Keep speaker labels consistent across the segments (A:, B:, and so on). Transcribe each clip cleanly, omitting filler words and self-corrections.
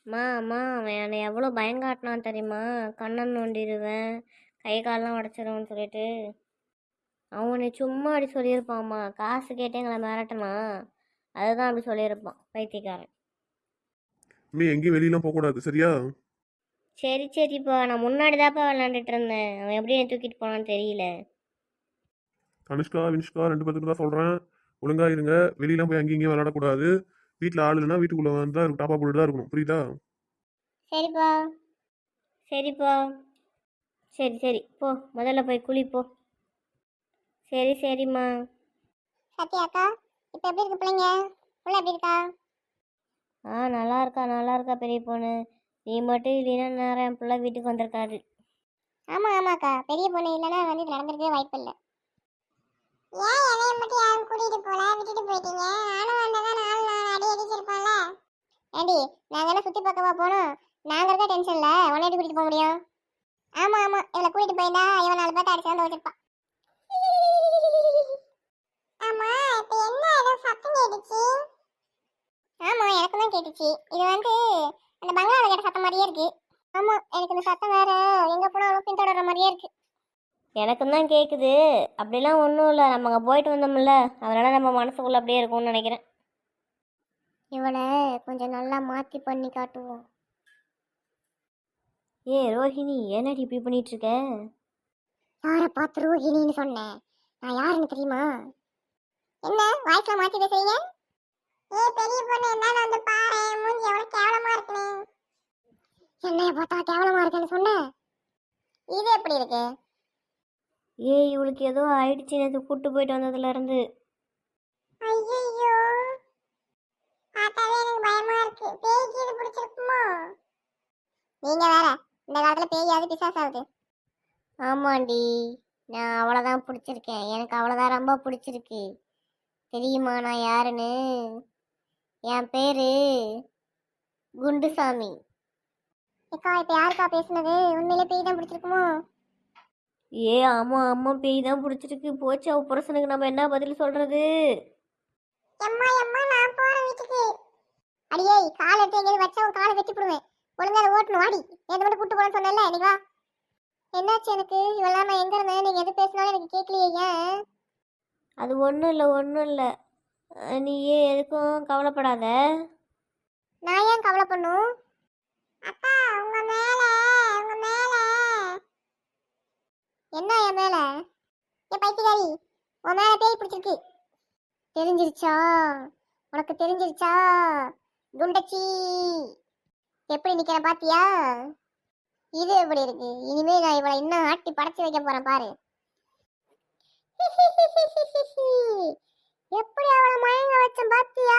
A: அம்மா அவன் என்னை எவ்வளோ பயங்காட்டினான் தெரியுமா? கண்ணன் நோண்டிடுவேன், கை காலெலாம் உடச்சிருவேன்னு சொல்லிட்டு. அவனை சும்மா அப்படி சொல்லியிருப்பான்மா. காசு கேட்டு எங்களை மிரட்டினான், அதுதான் அப்படி சொல்லியிருப்பான் பைத்தியக்காரன்.
B: நீ எங்கேயும் வெளியெல்லாம் போகக்கூடாது சரியா?
A: சரிப்பா, நான் முன்னாடி தான்ப்பா விளாண்டுட்டு இருந்தேன். அவன் எப்படி என்னை தூக்கிட்டு போனான்னு தெரியல.
B: தனுஷ்கா வினுஷ்கா 2 பேருக்கு தான் சொல்கிறேன், ஒழுங்கா இருங்க. வெளியெல்லாம் போய் அங்கேயும் இங்கேயும் விளையாடக்கூடாது. வீட்டில் ஆள் இல்லைன்னா வீட்டுக்குள்ளே வந்து டாப்பா போட்டு தான் இருக்கணும், புரியுதா?
A: சரிப்பா சரிப்பா சரி போ, முதல்ல போய் குளிப்போ. சரிம்மா.
C: சத்யா அக்கா, இப்போ எப்படி இருக்கு பிள்ளைங்க? புள்ள எப்படி இருக்கா?
A: நல்லா இருக்கா பெரிய பொண்ணு. நீ மட்டும் இல்லைன்னா நேரம் என் பிள்ளை வீட்டுக்கு வந்திருக்காது.
C: ஆமாக்கா, பெரிய பொண்ணு இல்லைன்னா வந்து இது நடந்திருக்கவே வாய்ப்பு இல்லை. ஏன் என்னைய மட்டும் யாரும் கூட்டிட்டு போல, விட்டுட்டு போயிட்டீங்க? நானும் வந்ததான் 4 நாள் அடி அடிச்சிருப்பான்ல. ஏண்டி, நாங்க என்ன சுத்தி பார்க்கவா போனோம்? நாங்க இருக்க டென்ஷன்ல உன்னை எப்படி கூட்டிட்டு போக முடியும்? ஆமா இவளை கூட்டிட்டு போயிருந்தா இவன் 4 பேர்த்த அடிச்சு வந்து வச்சிருப்பான். ஆமா, இப்ப என்ன ஏதோ சத்தம் கேட்டுச்சு? ஆமா, எனக்கு தான் கேட்டுச்சு. இது வந்து அந்த பங்களால கேட்ட சத்தம் மாதிரியே இருக்கு. ஆமா, எனக்கு இந்த சத்தம் வேற எங்க போனாலும் பின்தொடர்ற மாதிரியே இருக்கு.
A: எனக்கும் தான் கேட்குது. அப்படிலாம் ஒன்றும் இல்லை, நம்ம அங்கே போயிட்டு வந்தோம்ல, அதனால் நம்ம மனசுக்குள்ளே அப்படியே இருக்கும்னு நினைக்கிறேன்.
C: இவளை கொஞ்சம் நல்லா மாற்றி பண்ணி காட்டுவோம்.
A: ரோஹிணி, என்னடி இப்படி பண்ணிகிட்ருக்க?
C: யாரை பார்த்து ரோஹிணின்னு சொன்னேன்? நான் யாருன்னு தெரியுமா? என்ன வாய்ஸ்ல மாற்றி பேசுறீங்க? பெரிய பொண்ணு என்ன வந்து பாரு, மூஞ்சி எவ்வளவு கேவலமா இருக்குன்னு. என்னைய பார்த்தா கேவலமா இருக்குன்னு சொன்னேன். இது எப்படி இருக்கு?
A: இவளுக்கு ஏதோ ஆயிடுச்சு நேற்று கூட்டு போயிட்டு வந்ததுலேருந்து.
C: ஐயோ, பார்த்தாவே எனக்கு பயமா இருக்கு. பேய்க்கு இது பிடிச்சிருக்குமோ? நீங்க வேற, இந்த காலத்துல பேயாவது பிசாசாவது.
A: ஆமாண்டி, நான் அவ்வளோதான் பிடிச்சிருக்கேன். எனக்கு அவ்வளோதான் ரொம்ப பிடிச்சிருக்கு. தெரியுமா நான் யாருன்னு? என் பேர் குண்டுசாமி.
C: அக்கா, இப்ப யாருக்கா பேசுனது? உண்மையிலே பேய் தான் பிடிச்சிருக்குமோ?
A: ஆமாம் பேய் தான் பிடிச்சிருக்கு. போச்சு, அவ புருஷனுக்கு நம்ம என்ன பதில் சொல்கிறது?
C: எம்மா நான் போறேன் வீட்டுக்கு. அடியே, கால் எடுத்து எங்கேயாவது வச்சா உன் காலை வெட்டி போடுவேன். ஒழுங்கா அதை ஓட்டணும், வாடி. நேற்று மட்டும் கூட்டு போறேன்னு சொன்னேன்ல, நீ வா. என்னாச்சு எனக்கு? இவெல்லாம் நான் எங்க இருந்தேன்? நீங்க எது பேசினாலும் எனக்கு கேட்கலையே, ஏன்?
A: அது ஒன்றும் இல்லை. நீயே எதுக்கும் கவலைப்படாத.
C: நான் ஏன் கவலை பண்ணும்? அக்கா, உங்க மேல என்ன? என் மேல? ஏன் பைத்தியக்காரி, உன் மேல பேய் பிடிச்சிருக்கு. தெரிஞ்சிருச்சா? உனக்கு தெரிஞ்சிருச்சா குண்டச்சி? எப்படி நிக்கிற பாத்தியா? இது எப்படி இருக்கு? இனிமே நான் இவளை இன்னும் ஆட்டி படைச்சு வைக்க போறேன் பாரு. எப்படி அவளை மயங்க வச்சேன் பாத்தியா?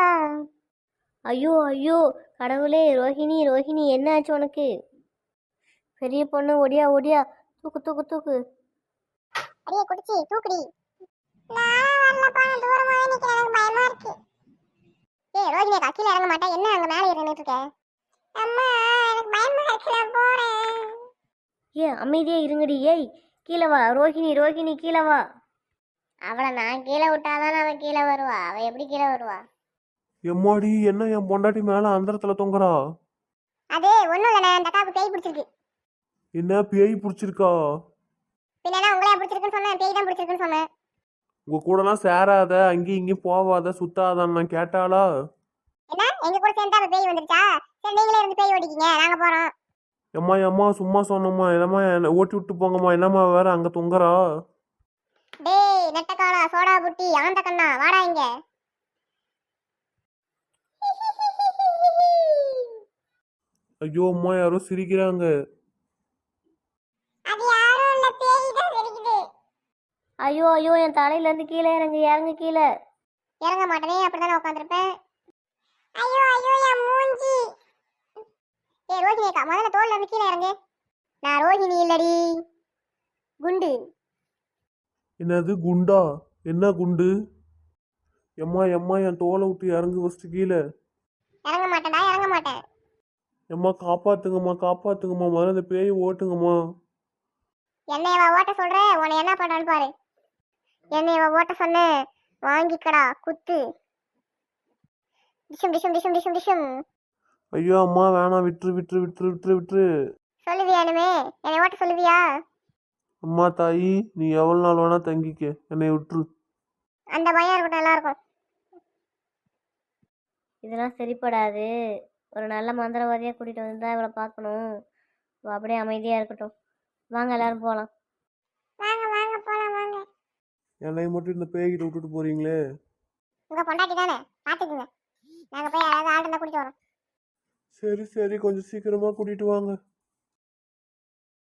A: ஐயோ கடவுளே! ரோஹிணி என்ன ஆச்சு உனக்கு? பெரிய பொண்ணு, ஒடியா தூக்கு.
C: அடியே குடிச்சி தூக்குடி. நான் வரலப்பா, நான் தூரமா நிக்கிறேன், எனக்கு பயமா இருக்கு. ரோஹிணி அக்கா, கீழே இறங்க மாட்டேன். என்ன அங்க மேலே ஏறிட்டு இருக்க? அம்மா, எனக்கு பயமா இருக்கு, நான் போறேன்.
A: அமைதியே இருங்கடி. கீழே வா ரோஹிணி, கீழே வா.
C: அவளை நான் கீழே விட்டாதான் அவன் கீழே வருவா. அவ எப்படி கீழே வருவா?
B: எம்மாடி, என்ன என் பொண்டாட்டி மேலே அந்தரத்துல தொங்குறா?
C: அது ஒண்ணும் இல்லைண்ணே, அந்த அக்காவுக்கு பேய் பிடிச்சிருக்கு.
B: என்ன பேய் பிடிச்சிருக்கா?
C: பின்னா உங்களே பிடிச்சிருக்குன்னு சொன்னேன், பேய் தான் பிடிச்சிருக்குன்னு சொன்னேன்.
B: உங்க கூடலாம் சேராத, அங்கேயும் இங்கேயும் போவாத, சுத்தாதான்னு நான் கேட்டாளா?
C: என்ன, எங்க கூட சேர்ந்தா அவ பேய் வந்துருச்சா? சரி, நீங்களே இருந்து பேய் ஓடிக்கிங்க, நாங்க போறோம்.
B: எம்மா சும்மா சொன்னம்மா, என்னம்மா என்ன ஓட்டி விட்டு போங்கம்மா. என்னம்மா வேற அங்க தொங்குறா?
C: டேய் நெட்டக்காளா, சோடா புட்டி, ஆந்த கண்ணா, வாடா இங்க.
B: ஐயோ அம்மா, யாரோ சிரிக்கிறாங்க.
C: அது யாரும் இல்ல, பேய் தான் சிரிக்குது.
A: ஐயோ என் தலையிலேருந்து கீழே இறங்கு கீழே.
C: இறங்க மாட்டேனே, அப்படிதான் உட்காந்துருப்பேன். ஐயோ என் மூஞ்சி. ரோஹிணி அக்கா, முதல்ல தோல்ல இருந்து கீழே இறங்கு. நான் ரோஹிணி இல்லடி, குண்டு.
B: என்னது குண்டா? என்ன குண்டு? எம்மா என் தோலை விட்டு இறங்கு ஃபஸ்ட்டு கீழே.
C: இறங்க மாட்டேன்.
B: எம்மா காப்பாத்துங்கம்மா, முதல்ல இந்த பேயை ஓட்டுங்கம்மா.
C: என்னையவா ஓட்ட சொல்ற? உன்னை என்ன பண்றான்னு பாரு. என்னையவா ஓட்ட சொன்ன? வாங்கிக்கடா குத்து. டிஷம்.
B: ஐயோ அம்மா வேணாம், விட்டுரு விட்டுரு விட்டுரு விட்டுரு விட்டுரு.
C: சொல்லுவியா இனிமே என்னை ஓட்ட சொல்லுவியா?
B: அம்மா தாயி, நீ எவ்வளோ நாள் வேணா தங்கிக்க, என்னை விட்டுரு.
C: அந்த பயம் இருக்கட்டும் எல்லாருக்கும்.
A: இதெல்லாம் சரிப்படாது. ஒரு நல்ல மந்திரவாதியாக கூட்டிகிட்டு வந்து தான் இவளை பார்க்கணும். இவள் அப்படியே அமைதியாக இருக்கட்டும். வாங்க எல்லாரும் போகலாம்.
C: வாங்க வாங்க போலாம் வாங்க.
B: என்னை மட்டும் இந்த பேய்கிட்ட விட்டுட்டு போறீங்களே.
C: உங்க பொண்டாட்டி தானே, பாத்துக்குங்க. நாங்க போய் யாராவது ஆள் இருந்தா கூட்டிட்டு வரோம்.
B: சரி சரி, கொஞ்சம் சீக்கிரமா கூட்டிட்டு வாங்க.